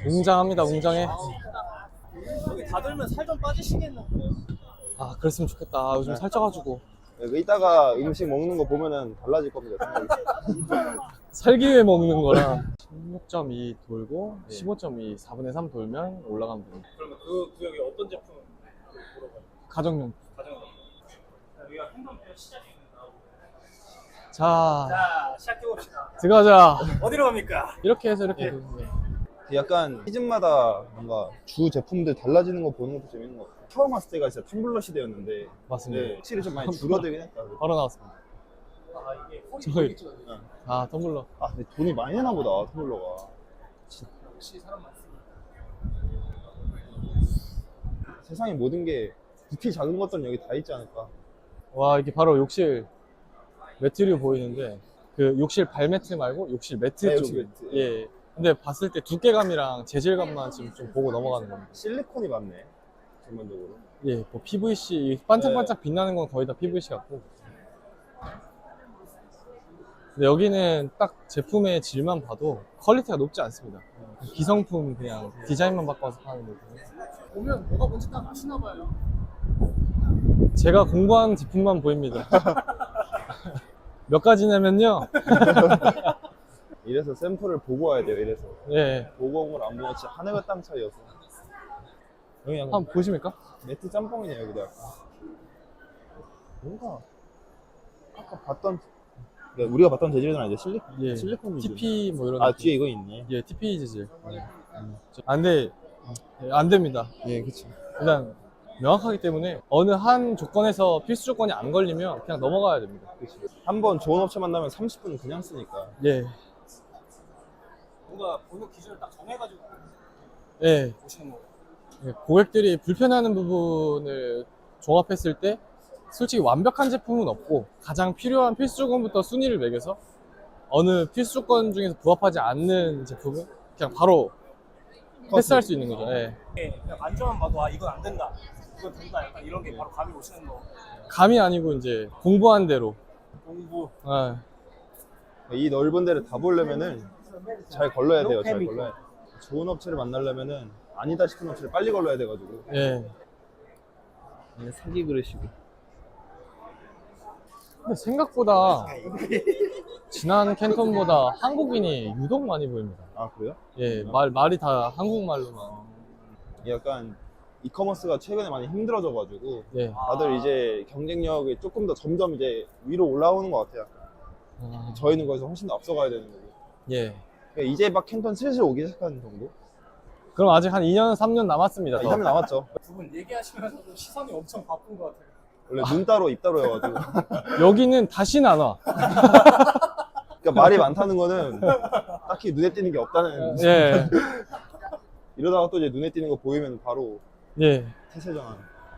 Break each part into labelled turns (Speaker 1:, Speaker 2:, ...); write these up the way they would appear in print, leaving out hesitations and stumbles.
Speaker 1: 웅장합니다. 웅장해.
Speaker 2: 여기 다 들면 살 좀 빠지시겠는데.
Speaker 1: 아, 그랬으면 좋겠다. 아, 요즘 살쪄가지고.
Speaker 3: 이따가 음식 먹는 거 보면은 달라질 겁니다.
Speaker 1: 살기 위해 먹는 거라 16.2 돌고 15.2 4분의 3 돌면 올라가면 됩니다.
Speaker 2: 그러면 그 구역이 어떤 제품 물어봐요?
Speaker 1: 가정용.
Speaker 2: 가정용. 여기가 행동표 시작입니다.
Speaker 1: 자,
Speaker 2: 시작해봅시다.
Speaker 1: 들어가자.
Speaker 2: 어디로 갑니까?
Speaker 1: 이렇게 해서 이렇게.
Speaker 2: 예.
Speaker 1: 네.
Speaker 3: 약간 시즌마다 뭔가 주 제품들 달라지는 거 보는 것도 재밌는 것 같아요. 처음 왔을 때가 진짜 텀블러 시대였는데
Speaker 1: 맞습니다.
Speaker 3: 네, 확실히 좀 많이 줄어들긴 했다.
Speaker 1: 바로 나왔습니다.
Speaker 2: 아, 이게
Speaker 1: 저희.
Speaker 3: 응.
Speaker 1: 아, 텀블러.
Speaker 3: 아 근데 돈이 많이 나나 보다 텀블러가.
Speaker 2: 역시 사람 많습니다.
Speaker 3: 세상의 모든 게 부피 작은 것들은 여기 다 있지 않을까.
Speaker 1: 와, 이게 바로 욕실 매트류 보이는데 그 욕실 발매트 말고 욕실 매트
Speaker 3: 네,
Speaker 1: 쪽이.
Speaker 3: 욕실 매트.
Speaker 1: 예. 근데 봤을 때 두께감이랑 재질감만 지금 좀 보고 넘어가는 겁니다.
Speaker 3: 실리콘이 많네 전반적으로.
Speaker 1: 예, 뭐 PVC 반짝반짝 빛나는 건 거의 다 PVC 같고. 근데 여기는 딱 제품의 질만 봐도 퀄리티가 높지 않습니다. 기성품 그냥 디자인만 바꿔서 파는 거고.
Speaker 2: 보면 뭐가 뭔지 딱 아시나 봐요.
Speaker 1: 제가 공부한 제품만 보입니다. 몇 가지냐면요.
Speaker 3: 이래서 샘플을 보고 와야 돼요. 이래서
Speaker 1: 예,
Speaker 3: 보고 온 걸 안 보면 진짜 하늘과 땅 차이여서. 여기 약간
Speaker 1: 한번 보십니까?
Speaker 3: 매트 짬뽕이네 여기도 약간. 뭔가 아까 봤던 그러니까 우리가 봤던 재질은 아니죠.
Speaker 1: 예,
Speaker 3: 실리콘 재질.
Speaker 1: TP 뭐 이런.
Speaker 3: 아
Speaker 1: 느낌.
Speaker 3: 뒤에 이거 있네.
Speaker 1: 예, TP 재질. 아, 근데 안 됩니다.
Speaker 3: 예, 그치.
Speaker 1: 일단 명확하기 때문에 어느 한 조건에서 필수 조건이 안 걸리면 그냥 넘어가야 됩니다.
Speaker 3: 한번 좋은 업체 만나면 30분 그냥 쓰니까.
Speaker 1: 예,
Speaker 2: 뭔가 보는 기준을 딱 정해가지고
Speaker 1: 예.
Speaker 2: 보시는 거예요.
Speaker 1: 예, 고객들이 불편해하는 부분을 종합했을 때 솔직히 완벽한 제품은 없고 가장 필요한 필수 조건부터 순위를 매겨서 어느 필수 조건 중에서 부합하지 않는 제품은 그냥 바로 패스할 수 있는 거죠. 예.
Speaker 2: 예, 그냥 만져만 봐도 아 이건 안 된다, 이건 된다, 약간 이런 게 바로 감이 오시는 거.
Speaker 1: 감이 아니고 이제 공부한 대로.
Speaker 2: 공부.
Speaker 1: 예.
Speaker 3: 이 넓은 데를 다 보려면은 잘 걸러야 돼요. 잘
Speaker 2: 케미컬.
Speaker 3: 걸러야 돼. 좋은 업체를 만나려면은 아니다 싶은 업체를 빨리 걸러야 돼가지고.
Speaker 1: 예.
Speaker 3: 사기 그릇이고.
Speaker 1: 근데 생각보다 지난 캔톤보다 한국인이 유독 많이 보입니다.
Speaker 3: 아 그래요?
Speaker 1: 예, 말이 다 한국말로만.
Speaker 3: 약간 이커머스가 최근에 많이 힘들어져가지고
Speaker 1: 예.
Speaker 3: 다들 이제 경쟁력이 조금 더 점점 이제 위로 올라오는 것 같아요.
Speaker 1: 아,
Speaker 3: 저희는 거기서 훨씬 더 앞서가야 되는 거고.
Speaker 1: 예.
Speaker 3: 그러니까 이제 막 캔턴 슬슬 오기 시작하는 정도?
Speaker 1: 그럼 아직 한 2년, 3년 남았습니다. 더.
Speaker 3: 3년 남았죠.
Speaker 2: 두 분 얘기하시면서도 시선이 엄청 바쁜 것 같아요.
Speaker 3: 원래 눈 따로 입 따로여가지고.
Speaker 1: 여기는 다시는 안 와.
Speaker 3: 그러니까 말이 많다는 거는 딱히 눈에 띄는 게 없다는.
Speaker 1: 예.
Speaker 3: 이러다가 또 이제 눈에 띄는 거 보이면 바로
Speaker 1: 예.
Speaker 3: 태세전환.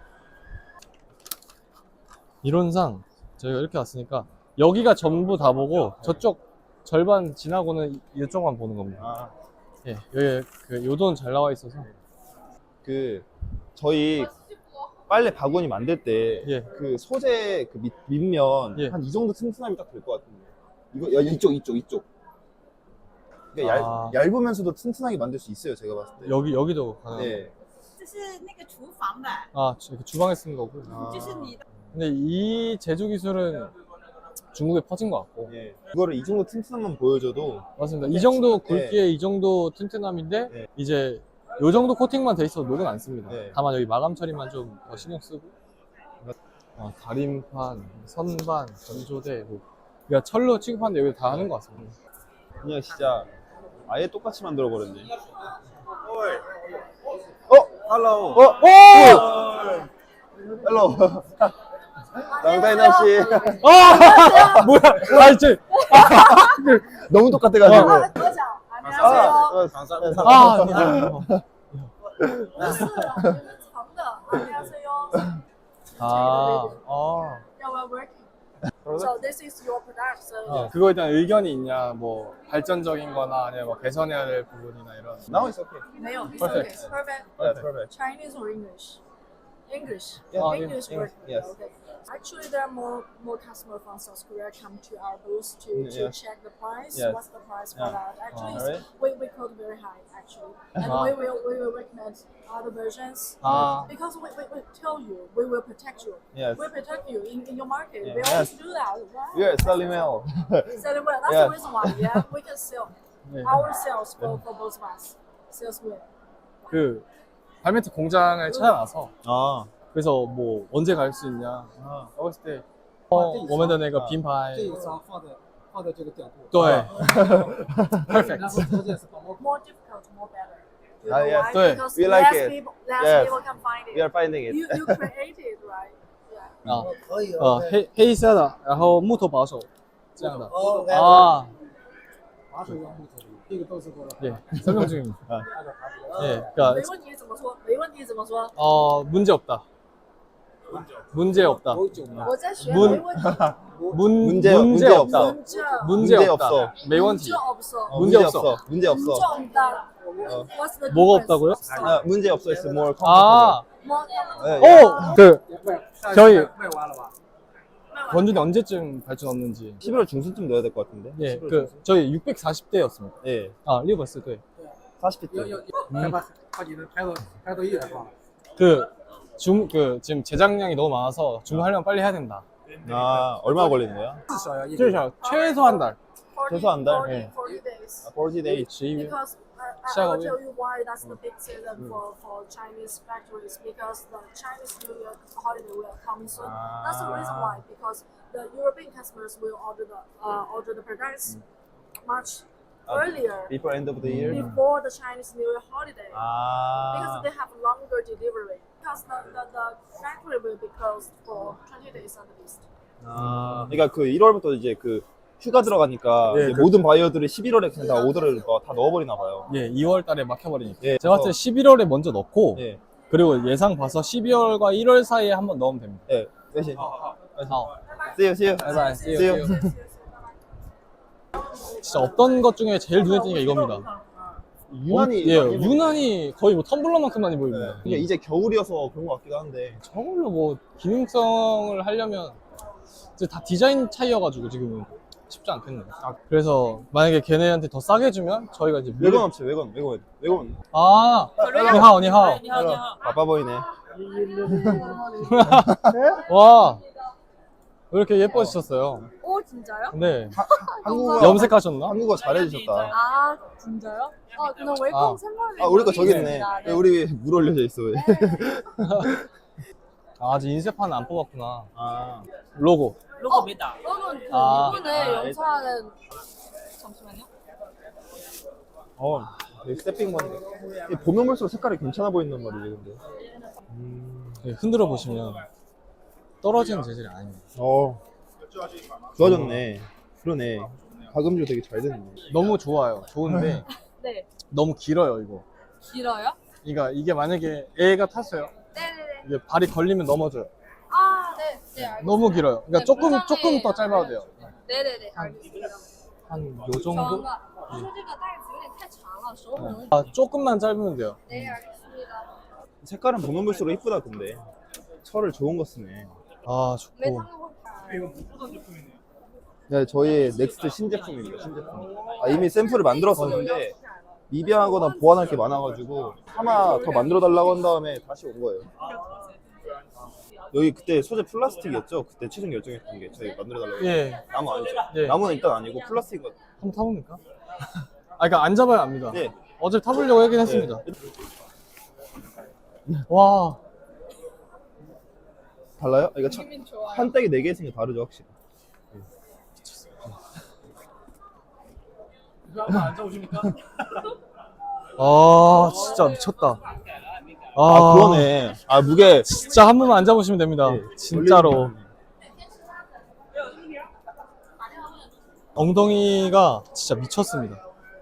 Speaker 1: 이론상 저희가 이렇게 왔으니까 여기가 전부 다 보고 저쪽 절반 지나고는 이쪽만 보는 겁니다.
Speaker 3: 아,
Speaker 1: 예. 여기 그 요돈 잘 나와 있어서.
Speaker 3: 그 저희 빨래 바구니 만들 때
Speaker 1: 예.
Speaker 3: 그 소재 그 밑면
Speaker 1: 예.
Speaker 3: 한 이 정도 튼튼함이 딱 될 것 같은데. 이거 이쪽. 그러니까
Speaker 1: 아.
Speaker 3: 얇으면서도 튼튼하게 만들 수 있어요. 제가 봤을 때.
Speaker 1: 여기도 가능합니다.
Speaker 3: 네.
Speaker 4: 这是那个厨房的，
Speaker 1: 아, 주방에 쓰는 거고.
Speaker 4: 这是你的。
Speaker 1: 근데 이 제조 기술은 중국에 퍼진 것 같고.
Speaker 3: 예. 이거를 이 정도 튼튼함만 보여줘도
Speaker 1: 맞습니다. 이 정도 굵기에 이 정도 튼튼함인데
Speaker 3: 네.
Speaker 1: 이제 요 정도 코팅만 돼 있어도 녹은 안 씁니다.
Speaker 3: 네.
Speaker 1: 다만 여기 마감 처리만 좀 더 신경 쓰고. 다림판, 선반, 건조대, 뭐. 그러니까 철로 취급하는데 여기 다 하는 것 같습니다.
Speaker 3: 그냥 진짜 아예 똑같이 만들어 버렸네.
Speaker 2: Hello.
Speaker 3: 헬로. 랑다이나 씨.
Speaker 1: 뭐야? 아, 이제.
Speaker 3: 너무 똑같아가지고.
Speaker 4: 多少？안녕하세요。
Speaker 3: 감사합니다.
Speaker 1: 아,
Speaker 4: 不是，就是长的。안녕하세요。
Speaker 1: 아,
Speaker 4: Yeah, we're working. So this is your product. So
Speaker 1: 그거에 대한 의견이 있냐, 뭐, 발전적인 거나 아니면 뭐 개선해야 될 부분이나 이런.
Speaker 3: Now it's okay.
Speaker 4: 没有，it's okay.
Speaker 1: Perfect.
Speaker 4: Perfect.
Speaker 3: Yeah, perfect.
Speaker 4: Chinese or English? English.
Speaker 3: Yeah.
Speaker 4: English
Speaker 3: English,
Speaker 4: word.
Speaker 3: yes.
Speaker 4: Okay. Actually, there are more customers from South Korea come to our booth to
Speaker 3: Yes.
Speaker 4: check the price.
Speaker 3: Yes.
Speaker 4: What's the price for
Speaker 3: Yeah.
Speaker 4: that? Actually,
Speaker 3: Alright.
Speaker 4: we quote very high actually, and
Speaker 1: Ah.
Speaker 4: we will recommend other versions.
Speaker 1: 아,
Speaker 4: Because we tell you, we will protect you.
Speaker 3: Yes.
Speaker 4: We protect you in your market.
Speaker 3: Yeah.
Speaker 4: We always
Speaker 3: Yes.
Speaker 4: do that. Right?
Speaker 3: We are selling well.
Speaker 4: Selling well. That's
Speaker 3: Yeah.
Speaker 4: the reason why. Yeah, we can sell
Speaker 1: 네.
Speaker 4: our sales for both of us. Sales well.
Speaker 1: 그 발매트 공장을 찾아가서
Speaker 3: 아.
Speaker 1: 그래서 뭐 언제 갈 수 있냐 했을 때我们的那个品牌
Speaker 5: 这一张放在这个角度，
Speaker 1: 对
Speaker 5: 然后条件是帮我
Speaker 4: More difficult, more better. You
Speaker 3: Ah,
Speaker 4: know
Speaker 3: yes.
Speaker 4: why?
Speaker 1: Yeah.
Speaker 4: Because
Speaker 3: We like
Speaker 4: less
Speaker 3: it.
Speaker 4: people, less
Speaker 3: Yes.
Speaker 4: people can find it.
Speaker 3: We are finding it.
Speaker 4: You created, right? Yeah.
Speaker 1: 啊
Speaker 5: 可以，OK
Speaker 1: 黑色的，然后木头保守这样的
Speaker 5: OK，
Speaker 1: 아
Speaker 5: 把手用木头的，这个都是过了。
Speaker 1: 예 설명 중입니다.
Speaker 5: 按照它的
Speaker 1: 예
Speaker 4: 没
Speaker 1: 그러니까
Speaker 4: 问题怎么说？没问题怎么说？
Speaker 1: 문제 없다. 문제 없다.
Speaker 5: 有酒吗？
Speaker 4: 我在学，
Speaker 1: 문
Speaker 4: 没问题。
Speaker 3: 문제
Speaker 1: 문제 없다.
Speaker 3: 없어.
Speaker 1: 문제
Speaker 3: 문제
Speaker 1: 없다.
Speaker 3: 없어.
Speaker 1: 没问题.
Speaker 4: 문제 없어.
Speaker 1: 문제 없어.
Speaker 3: 문제 없어.
Speaker 4: 문제 없다. What's the
Speaker 1: 뭐가
Speaker 4: difference?
Speaker 1: 없다고요?
Speaker 3: 아, 문제 없어. It's more comfortable.
Speaker 1: 아,
Speaker 4: More
Speaker 3: 예,
Speaker 1: 오, 그
Speaker 5: 卖
Speaker 1: 저희
Speaker 5: 卖完了吧？
Speaker 1: 원준이 언제쯤 발전 없는지.
Speaker 3: 11월 중순쯤 넣어야 될 것 같은데.
Speaker 1: 예,
Speaker 3: 11월
Speaker 1: 그
Speaker 3: 중순?
Speaker 1: 저희 640대였습니다.
Speaker 3: 예.
Speaker 1: 아, 리버스 네.
Speaker 3: 40대.
Speaker 5: 要把你的排到1月是吧？
Speaker 1: 그 지금 제작량이 너무 많아서 주문하려면 빨리 해야 된다.
Speaker 3: 아, 얼마 걸리는 거야?
Speaker 5: 至少要一个
Speaker 1: 최소 최소 한 달.
Speaker 4: 40,
Speaker 3: 최소 한 달?
Speaker 4: 40,
Speaker 1: 예.
Speaker 4: 40 days.
Speaker 3: 40 days.
Speaker 1: 12일.
Speaker 4: Because I
Speaker 1: 시작하고요.
Speaker 4: will tell you why that's the big season for Chinese factories, because the Chinese New Year holiday will come soon. That's the reason why, because the European customers will order the products much earlier
Speaker 3: Before end of the year.
Speaker 4: before the Chinese New Year holiday. Because
Speaker 3: 아.
Speaker 4: they have longer delivery. Because the factory will be closed for 20 days at least.
Speaker 3: 아. 그러니까 그 1월부터 이제 그 휴가 들어가니까
Speaker 1: 예,
Speaker 3: 이제
Speaker 1: 그-
Speaker 3: 모든 바이어들이 11월에 그냥 다 오더를 다 넣어버리나 봐요.
Speaker 1: 예, 2월 달에 막혀버리니까.
Speaker 3: 예,
Speaker 1: 제가 봤을 때 11월에 먼저 넣고
Speaker 3: 예.
Speaker 1: 그리고 예상 봐서 12월과 1월 사이에 한번 넣으면 됩니다.
Speaker 3: 예. 몇시?
Speaker 1: 아,
Speaker 3: See you, see you.
Speaker 1: 바이바이. See
Speaker 3: See
Speaker 1: you.
Speaker 3: you.
Speaker 1: 진짜 없던 것 중에 제일 눈에 띄는 게 이겁니다.
Speaker 3: 유난히
Speaker 1: 예,
Speaker 3: 많이
Speaker 1: 유난히 거의 뭐 텀블러만큼 많이 보입니다.
Speaker 3: 그러니까 이제 겨울이어서 그런 것 같기도 한데.
Speaker 1: 저걸로 뭐 기능성을 하려면 이제 다 디자인 차이여가지고 지금은 쉽지 않겠네요. 그래서 만약에 걔네한테 더 싸게 주면 저희가 이제
Speaker 3: 외관 업체, 외관.
Speaker 1: 아, 니하오, 니하오.
Speaker 3: 바빠 보이네.
Speaker 1: 와, 왜 이렇게 예뻐지셨어요?
Speaker 4: 오 진짜요?
Speaker 1: 네.
Speaker 3: 한국어,
Speaker 1: 염색하셨나?
Speaker 3: 한국어 잘해주셨다.
Speaker 4: 아 진짜요? 그냥 웰컴
Speaker 1: 아.
Speaker 4: 샘플이
Speaker 3: 아, 우리 거 저기 있네.
Speaker 4: 있습니다. 네.
Speaker 3: 우리 왜 물 올려져 있어, 왜?
Speaker 1: 아, 아직 인쇄판은 안 뽑았구나.
Speaker 3: 아.
Speaker 1: 로고.
Speaker 4: 로고 메다. 그러면 그
Speaker 1: 아.
Speaker 4: 이분의 연차는 잠시만요.
Speaker 3: 되게 스태핑 건데. 보면 볼수록 색깔이 괜찮아 보인단 말이지, 근데.
Speaker 1: 네, 흔들어 보시면 떨어지는 재질이 아닙니다.
Speaker 3: 좋아졌네. 그러네. 가금류 되게 잘 됐네.
Speaker 1: 너무 좋아요. 좋은데
Speaker 4: 네.
Speaker 1: 너무 길어요, 이거.
Speaker 4: 길어요?
Speaker 1: 그러니까 이게 만약에 애가 탔어요.
Speaker 4: 네네네.
Speaker 1: 이게 발이 걸리면 넘어져요.
Speaker 4: 아 네. 네 알겠습니다.
Speaker 1: 너무 길어요. 그러니까
Speaker 4: 네,
Speaker 1: 조금
Speaker 4: 부장님.
Speaker 1: 더 짧아도 돼요.
Speaker 4: 네네네 알겠습니다.
Speaker 1: 한 요 정도?
Speaker 4: 说这个袋子有点太长了，手很容易。
Speaker 1: 아, 조금만 짧으면 돼요.
Speaker 4: 네 알겠습니다.
Speaker 3: 색깔은 보면 볼수록 이쁘다, 근데. 철을 좋은 거 쓰네.
Speaker 1: 아,
Speaker 4: 没
Speaker 1: 좋고.
Speaker 4: 他们会拍。
Speaker 3: 네, 저희 넥스트 신제품입니다, 신제품. 이미 샘플을 만들었었는데, 미비하거나 보완할 게 많아가지고, 하나 더 만들어달라고 한 다음에 다시 온 거예요. 여기 그때 소재 플라스틱이었죠? 그때 최종 결정했던 게 저희 만들어달라고.
Speaker 1: 예.
Speaker 3: 나무 아니죠?
Speaker 1: 예.
Speaker 3: 나무는 일단 아니고 플라스틱.
Speaker 1: 한번 타봅니까? 아, 그러니까 안 잡아야 합니다.
Speaker 3: 네.
Speaker 1: 어제 타보려고 하긴 했습니다. 와,
Speaker 3: 달라요? 이거
Speaker 4: 기분 좋아요.
Speaker 3: 한짝이 4개 있으니까 다르죠, 확실히.
Speaker 2: 한번 앉아보십니까?
Speaker 1: 아, 진짜 미쳤다.
Speaker 3: 아, 그러네. 무게.
Speaker 1: 진짜 한 번만 앉아보시면 됩니다.
Speaker 3: 네,
Speaker 1: 진짜로. 엉덩이가 진짜 미쳤습니다.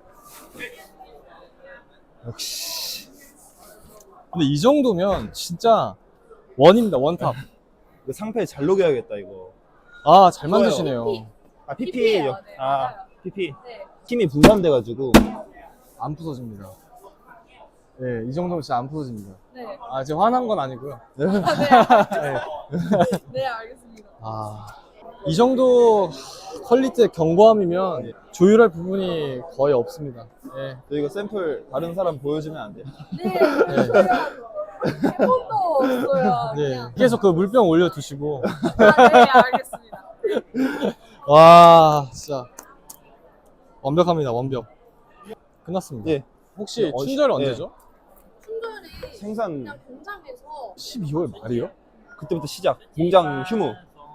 Speaker 1: 역시. 근데 이 정도면 진짜 원입니다, 원탑.
Speaker 3: 이거 상패 잘 녹여야겠다, 이거.
Speaker 1: 아, 잘
Speaker 3: 좋아요.
Speaker 1: 만드시네요.
Speaker 3: PP.
Speaker 4: PP예요, 네, 맞아요.
Speaker 3: PP.
Speaker 4: 네.
Speaker 3: 힘이 분산돼가지고.
Speaker 1: 안 부서집니다. 예, 이 정도면 진짜 안 부서집니다.
Speaker 4: 네.
Speaker 1: 아, 지금 화난 건 아니고요.
Speaker 4: 네,
Speaker 1: 네.
Speaker 4: 네, 알겠습니다.
Speaker 1: 아, 이 정도 퀄리티의 경고함이면 조율할 부분이 거의 없습니다. 예.
Speaker 3: 저희가 샘플 다른 사람 보여주면 안 돼요?
Speaker 4: 네, 해본도 없어요.
Speaker 1: 네.
Speaker 4: 그냥.
Speaker 1: 계속 그 물병 올려두시고.
Speaker 4: 아, 네, 알겠습니다.
Speaker 1: 와, 진짜. 완벽합니다, 완벽. 끝났습니다.
Speaker 3: 예.
Speaker 1: 혹시
Speaker 3: 어,
Speaker 1: 충전
Speaker 3: 예.
Speaker 1: 언제죠?
Speaker 4: 충전이
Speaker 3: 생산
Speaker 4: 그냥 공장에서
Speaker 1: 12월 말이요?
Speaker 3: 그때부터 시작. 공장 휴무.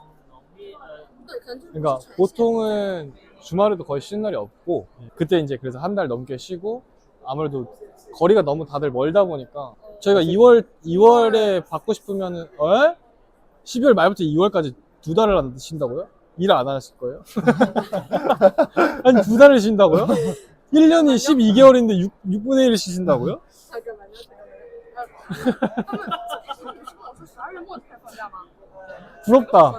Speaker 1: 그러니까 보통은 주말에도 거의 쉬는 날이 없고 그때 이제 그래서 한 달 넘게 쉬고 아무래도 거리가 너무 다들 멀다 보니까 저희가 2월에 받고 싶으면은 12월 말부터 2월까지 2달을 안 쉰다고요? 일 안 하실 거예요? 아니 2달을 쉰다고요? 1년이 12개월인데 6분의 1을 쉬신다고요?
Speaker 4: 잠깐만요.
Speaker 1: 부럽다.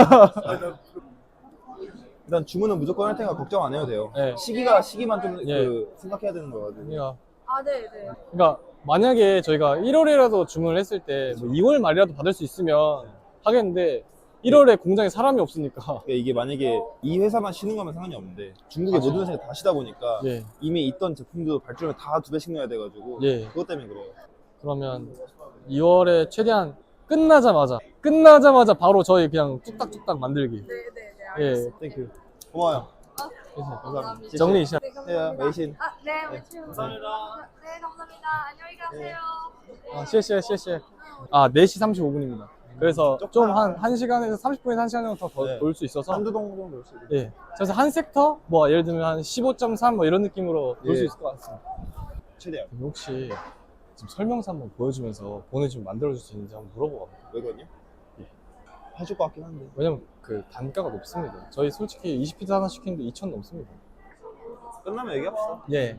Speaker 3: 일단 주문은 무조건 할 테니까 걱정 안 해도 돼요.
Speaker 1: 네.
Speaker 3: 시기만 좀
Speaker 1: 예.
Speaker 3: 생각해야 되는 거거든요.
Speaker 4: 아, 네, 네.
Speaker 1: 그러니까 만약에 저희가 1월이라도 주문을 했을 때 뭐 2월 말이라도 받을 수 있으면 하겠는데 1월에 공장에 사람이 없으니까
Speaker 3: 그러니까 이게 만약에 이 회사만 쉬는 거면 상관이 없는데 중국의
Speaker 1: 맞아요.
Speaker 3: 모든 회사가 다 쉬다 보니까
Speaker 1: 예,
Speaker 3: 이미 있던 제품도 발주를 다 2배씩 넣어야 돼가지고
Speaker 1: 예.
Speaker 3: 그것 때문에 그래요.
Speaker 1: 그러면 2월에 최대한 끝나자마자 바로 저희 그냥 뚝딱뚝딱 만들기.
Speaker 4: 네, 네, 네.
Speaker 1: 예.
Speaker 4: 알겠습니다.
Speaker 3: 땡큐. 고마워요.
Speaker 4: 감사합니다.
Speaker 1: 정리 시작.
Speaker 4: 네,
Speaker 3: 네,
Speaker 4: 감사합니다.
Speaker 3: 메이신.
Speaker 4: 아, 네, 감사합니다. 네, 감사합니다. 안녕히 가세요.
Speaker 1: 아,谢谢. 아, 4시 35분입니다. 그래서 좀 한 1시간에서 30분에서 1시간 정도 더
Speaker 3: 네.
Speaker 1: 볼 수 있어서
Speaker 3: 한두 동 정도 올수 있어요.
Speaker 1: 예. 그래서 한 섹터 뭐 예를 들면 한 15.3 뭐 이런 느낌으로 볼 수
Speaker 3: 예.
Speaker 1: 있을 것 같습니다.
Speaker 3: 최대한.
Speaker 1: 그럼 혹시 지금 설명서 한번 보여주면서 보내주면 만들어줄 수 있는지 한번 물어보고 갑니다.
Speaker 3: 왜 그러냐?
Speaker 1: 예.
Speaker 3: 해줄 것 같긴 한데.
Speaker 1: 왜냐면 그 단가가 높습니다. 저희 솔직히 20피트 하나 시키는데 2,000 넘습니다.
Speaker 3: 끝나면 얘기합시다.
Speaker 1: 예.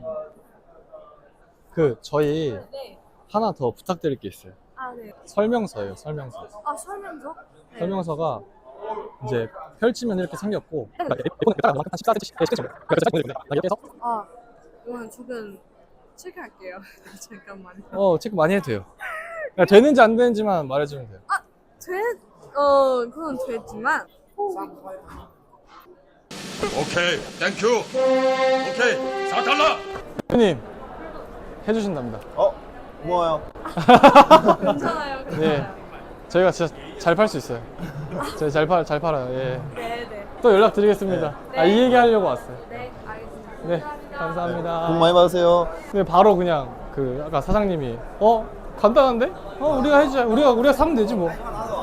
Speaker 1: 그 저희
Speaker 4: 네.
Speaker 1: 하나 더 부탁드릴 게 있어요.
Speaker 4: 아, 네.
Speaker 1: 설명서예요, 설명서.
Speaker 4: 아, 설명서? 네.
Speaker 1: 설명서가 이제 펼치면 이렇게 생겼고
Speaker 4: 아, 이거는 조금 체크할게요. 잠깐만요.
Speaker 1: 체크 많이 해도 돼요. 그러니까 되는지 안 되는지만 말해주면 돼요.
Speaker 4: 그건 됐지만.
Speaker 6: 오케이, 땡큐. 오케이, 4달러.
Speaker 1: 대표님 해주신답니다.
Speaker 3: 고마워요.
Speaker 4: 괜찮아요.
Speaker 1: 네, 저희가 진짜 잘 팔 수 있어요. 저희 잘 팔아요. 예.
Speaker 4: 네, 네.
Speaker 1: 또 연락드리겠습니다.
Speaker 4: 네.
Speaker 1: 아, 이 얘기 하려고 왔어요.
Speaker 4: 네, 알겠습니다.
Speaker 1: 네,
Speaker 4: 감사합니다.
Speaker 1: 감사합니다.
Speaker 3: 복 많이 받으세요.
Speaker 1: 근데 바로 그냥 그 아까 사장님이 간단한데? 우리가 해주자. 우리가 사면 되지 뭐.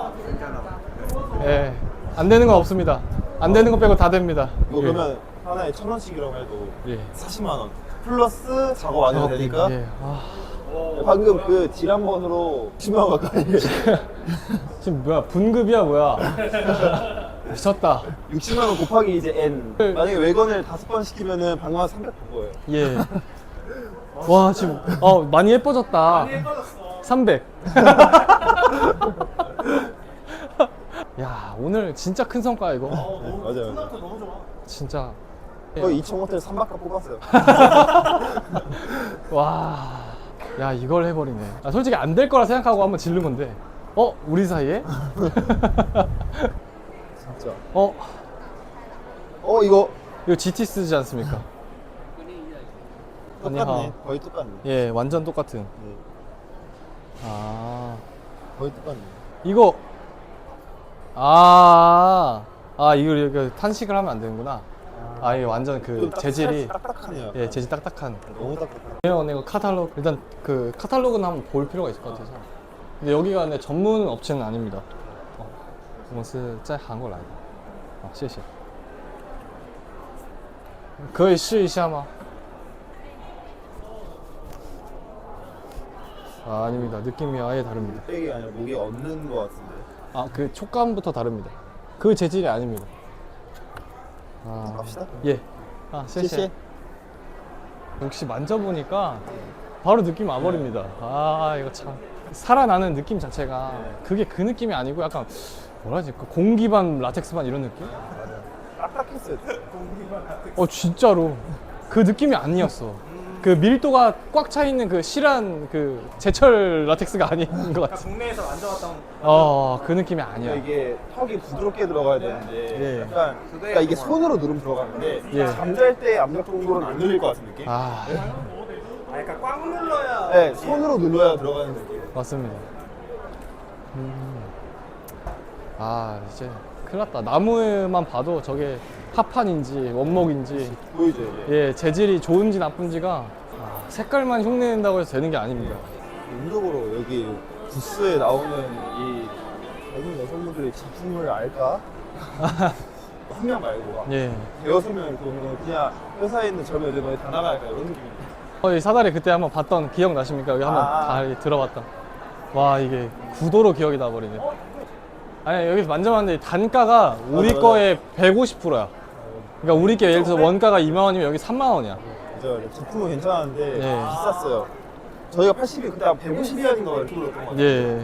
Speaker 1: 예, 안 되는 건 없습니다. 안 되는 거 빼고 다 됩니다.
Speaker 3: 이거
Speaker 1: 예.
Speaker 3: 그러면 하나에 1,000원씩이라고 해도
Speaker 1: 예.
Speaker 3: 40만 원 플러스 작업 완료 되니까
Speaker 1: 예.
Speaker 3: 방금 그 지란번으로 10만 원 가까이
Speaker 1: 지금 뭐야? 분급이야 뭐야? 미쳤다.
Speaker 3: 60만 원 곱하기 이제 N 만약에 외건을 5번 시키면은 방금 한 300 번 거예요.
Speaker 1: 예. 와 지금 많이 예뻐졌다. 300. 야 오늘 진짜 큰 성과야 이거.
Speaker 3: 맞아요.
Speaker 1: 진짜.
Speaker 3: 거의 2,000원짜리 3바퀴 뽑았어요.
Speaker 1: 와. 야 이걸 해버리네. 솔직히 안 될 거라 생각하고 한번 지른 건데. 우리 사이에?
Speaker 3: 진짜.
Speaker 1: 이거 GT 쓰지 않습니까?
Speaker 3: 똑같네.
Speaker 1: 아니야.
Speaker 3: 거의 똑같네.
Speaker 1: 예, 완전 똑같은.
Speaker 3: 네.
Speaker 1: 아,
Speaker 3: 거의 똑같네.
Speaker 1: 이거 이거 탄식을 하면 안 되는구나. 이게 완전 그 재질이
Speaker 3: 딱딱하네요.
Speaker 1: 예, 재질 딱딱한.
Speaker 3: 너무 딱딱해.
Speaker 1: 이거 카탈로그 일단 그 카탈로그는 한번 볼 필요가 있을 것 같아서. 근데 여기가 내 전문 업체는 아닙니다. 我是在韩国来的。谢谢。可以试一下吗？ 아닙니다. 느낌이 아예 다릅니다.
Speaker 3: 이게 아니라 목에 얹는 것 같은데.
Speaker 1: 그 촉감부터 다릅니다. 그 재질이 아닙니다.
Speaker 3: 갑시다.
Speaker 1: 예. 谢谢. 역시 만져보니까 바로 느낌 와버립니다. 이거 참. 살아나는 느낌 자체가 그게 그 느낌이 아니고 약간 뭐라 하지? 그 공기반 라텍스반 이런 느낌?
Speaker 3: 딱딱했어요.
Speaker 1: 진짜로. 그 느낌이 아니었어. 그 밀도가 꽉 차 있는 그 실한 그 제철 라텍스가 아닌 것 같아.
Speaker 2: 국내에서 만져봤던
Speaker 1: 그 느낌이 아니야.
Speaker 3: 이게 턱이 부드럽게 들어가야 되는데
Speaker 1: 예.
Speaker 3: 약간 그러니까 이게 손으로 누르면 들어가는데
Speaker 1: 예.
Speaker 3: 잠잘 때 압력 정도로는 안 눌릴 것 같은 느낌?
Speaker 1: 아,
Speaker 2: 약간 꽉 눌러야
Speaker 3: 네, 손으로 눌러야 들어가는 느낌.
Speaker 1: 맞습니다. 아, 이제 큰일 났다. 나무만 봐도 저게 합판인지 원목인지
Speaker 3: 보이죠 이게?
Speaker 1: 예, 재질이 좋은지 나쁜지가 색깔만 흉내낸다고 해서 되는 게 아닙니다.
Speaker 3: 인적으로 여기 부스에 나오는 이 젊은 여성분들의 작품을 알까? 한 명 말고
Speaker 1: 예.
Speaker 3: 대여섯 명을 보면 그냥 회사에 있는 젊은 여자분이 다 나갈까 이런 느낌입니다.
Speaker 1: 이 사다리 그때 한번 봤던 기억 나십니까? 여기 한번 다 들어봤다. 와, 이게 구도로 기억이 나버리네. 아니, 여기서 만져봤는데 단가가 우리
Speaker 3: 맞아.
Speaker 1: 거의 150%야. 그러니까 우리 게 예를 들어서 원가가 2만 원이면 여기 3만 원이야.
Speaker 3: 진짜 제품은 괜찮은데
Speaker 1: 예.
Speaker 3: 비쌌어요. 저희가 80이 그때 한 150이었는가 이렇게 불렀던 것 같아요.
Speaker 1: 예.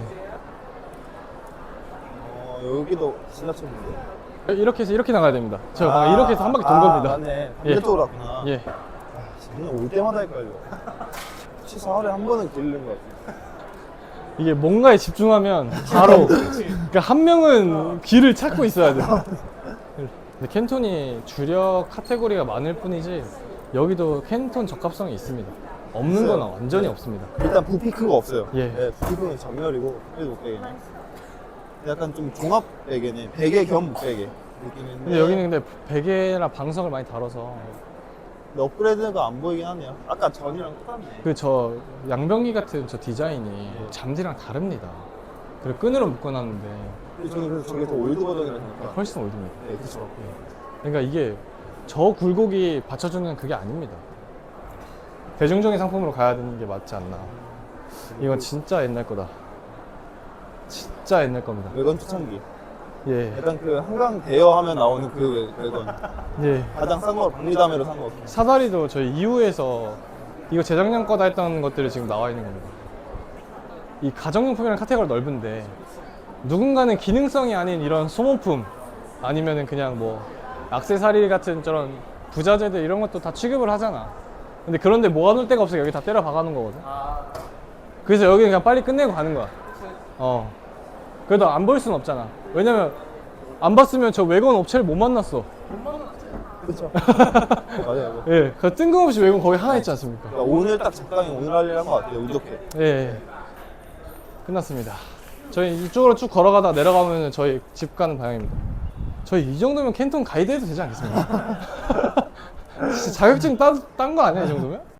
Speaker 3: 여기도 지나쳤는데.
Speaker 1: 이렇게 해서 이렇게 나가야 됩니다. 저 방금 이렇게 해서 한 바퀴 돈 겁니다.
Speaker 3: 맞네.
Speaker 1: 예.
Speaker 3: 반대쪽으로 왔구나.
Speaker 1: 예.
Speaker 3: 그냥 올 때마다 헷갈려. 혹시 4월에 한 번은 길르는 것 같아.
Speaker 1: 이게 뭔가에 집중하면 바로 그러니까 한 명은 귀를 찾고 있어야 돼. 근데 캔톤이 주력 카테고리가 많을 뿐이지 여기도 캔톤 적합성이 있습니다. 없는 건 완전히 없습니다.
Speaker 3: 일단 부피크가 없어요.
Speaker 1: 예.
Speaker 3: 네, 부피크는 전멸이고 그래도 목베개네. 약간 좀 종합 베개네. 베개 겸 목베개 느낌인데.
Speaker 1: 근데 여기는 근데 베개나 방석을 많이 다뤄서
Speaker 3: 근데 업그레이드가 안 보이긴 하네요. 아까 전이랑 똑같네.
Speaker 1: 그 저 양변기 같은 저 디자인이 잠디랑 다릅니다. 그리고 끈으로 묶어놨는데
Speaker 3: 근데 저는 그래서 저게 더 올드 버전이라 생각해요.
Speaker 1: 훨씬 올드입니다.
Speaker 3: 네, 그쵸.
Speaker 1: 그러니까 이게 저 굴곡이 받쳐주는 그게 아닙니다. 대중적인 상품으로 가야 되는 게 맞지 않나. 이건 진짜 옛날 거다. 진짜 옛날 겁니다.
Speaker 3: 외관 초창기.
Speaker 1: 예.
Speaker 3: 약간 그 한강 대여하면 나오는 그 외관.
Speaker 1: 예.
Speaker 3: 가장 싼 거 박리담회로 산 거.
Speaker 1: 사다리도 저희 이후에서 이거 재작년 거다 했던 것들이 지금 나와 있는 겁니다. 이 가정용품이라는 카테고리가 넓은데 누군가는 기능성이 아닌 이런 소모품 아니면은 그냥 뭐 액세서리 같은 저런 부자재들 이런 것도 다 취급을 하잖아. 근데 그런데 모아놓을 데가 없으니까 여기 다 때려 박아놓은 거거든. 그래서 여기는 그냥 빨리 끝내고 가는 거야. 그래도 안 볼 수는 없잖아. 왜냐면 안 봤으면 저 외관 업체를 못 만났어.
Speaker 3: 그쵸. 맞아요.
Speaker 1: 예, 그 뜬금없이 외관 거기 하나 있지 않습니까?
Speaker 3: 그러니까 오늘 딱 적당히 오늘 할 일 한 것 같아요. 운 좋게.
Speaker 1: 예, 끝났습니다. 저희 이쪽으로 쭉 걸어가다 내려가면 저희 집 가는 방향입니다. 저희 이 정도면 캔톤 가이드 해도 되지 않겠습니까? 진짜 자격증 딴 거 아니야, 이 정도면?